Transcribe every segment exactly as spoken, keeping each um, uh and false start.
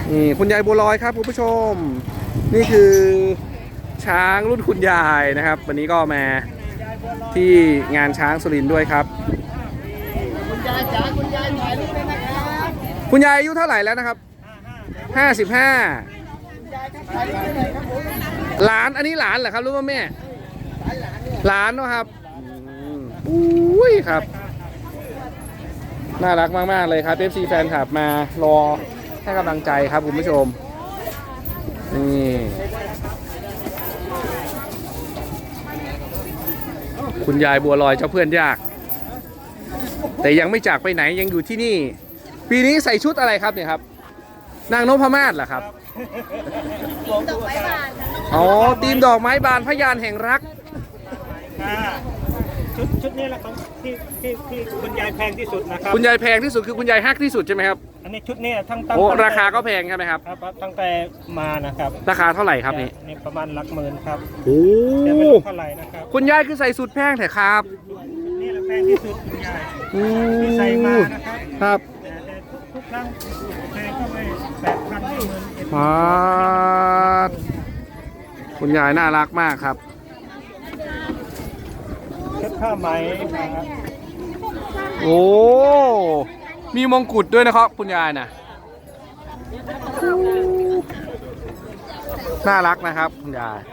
นี่คุณยายบัวลอยครับคุณผู้ชมนี่คือช้างรุ่นคุณยายนะครับ วันนี้ก็มาที่งานช้างสุรินทร์ด้วยครับคุณยายจ๋าคุณยายถ่ายรูปเลยนะครับคุณยายอายุเท่าไหร่แล้วนะครับห้าสิบห้าหลานอันนี้หลานเหรอครับรู้ว่าแม่หลานเนาะครับอุ้ยครับน่ารักมากๆเลยครับ เอฟ ซี แฟนคลับมารอให้กำลังใจครับคุณผู้ชมนี่คุณยายบัวลอยเจ้าเพื่อนยากแต่ยังไม่จากไปไหนยังอยู่ที่นี่ปีนี้ใส่ชุดอะไรครับเนี่ยครับนางนพมาศเหรอครับดอกไม้บานอ๋อทีมดอกไม้บานพยานแห่งรักชุดชุดนี้แหละครับที่ที่ที่คุณยายแพงที่สุดนะครับคุณยายแพงที่สุดคือคุณยายฮักที่สุดใช่ไหมครับอันนี้ชุดนี้ทั้งตั้งโอ้ราคาก็แพงใช่ไหมครับครับตั้งแต่มานะครับราคาเท่าไหร่ครับนี่นี่ประมาณหลักหมื่นครับโอ้แต่ไม่รู้เท่าไหร่นะครับคุณยายคือใส่สุดแพงแต่ครับนี่แหละแพงที่สุดคุณยายที่ใส่มานะครับครับแต่ทุกครั้งแพงก็ไม่แปดพันหมื่นเอ็ดพันคุณยายน่ารักมากครับเช็ดผ้าไหมนะครับโอ้มีมงกุฎด้วยนะครับคุณยายนะน่ารักนะครับคุณยาย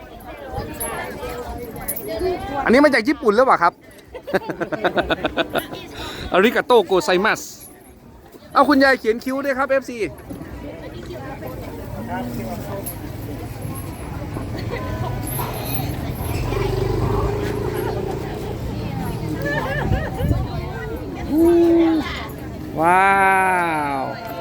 อันนี้มาจากญี่ปุ่นหรือเปล่าครับอาริกาโตโกไซมัสเอาคุณยายเขียนคิ้วด้วยครับ เอฟ ซี ว้าว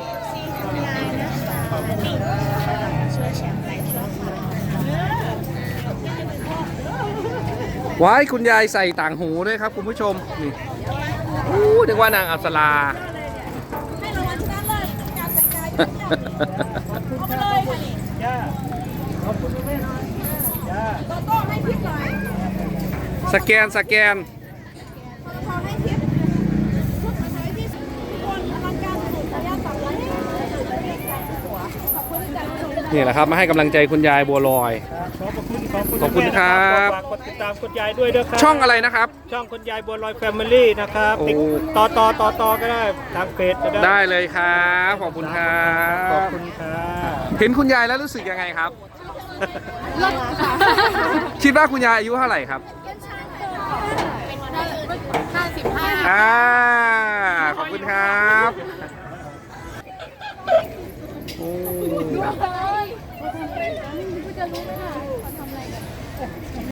ว้ายคุณยายใส่ต่างหูด้วยครับคุณผู้ชมนี่อู้นึกว่านางอัปสราให้รางวัลชนะเลิศการแต่งกายเอาไปเลยค่ะนี่ย่าขอบคุณแม่ย่าโตโต้ให้ทิปหน่อยสแกนสแกนพอให้ทิปชุดมาใช้ที่ทุกคนอลังการสุดระยะสามร้อยเมตรขอบคุณจัดสุดนี่แหละครับมาให้กำลังใจคุณยายบัวลอยขอบคุณขอบคุณขอบคุณครับฝากกดติดตามคุณยายด้วยด้วยครับช่องอะไรนะครับช่องคุณยายบัวลอยแฟมิลี่นะครับต่อต่อต่อต่อก็ได้ทางเพจก็ได้ได้เลยครับขอบคุณครับขอบคุณครับเห็นคุณยายแล้วรู้สึกยังไงครับรถค่ะคิดว่าคุณยายอายุเท่าไหร่ครับห้าสิบห้าอ่าขอบคุณครับโอ้คุณจะรู้ไหมคะทำอะไรกัน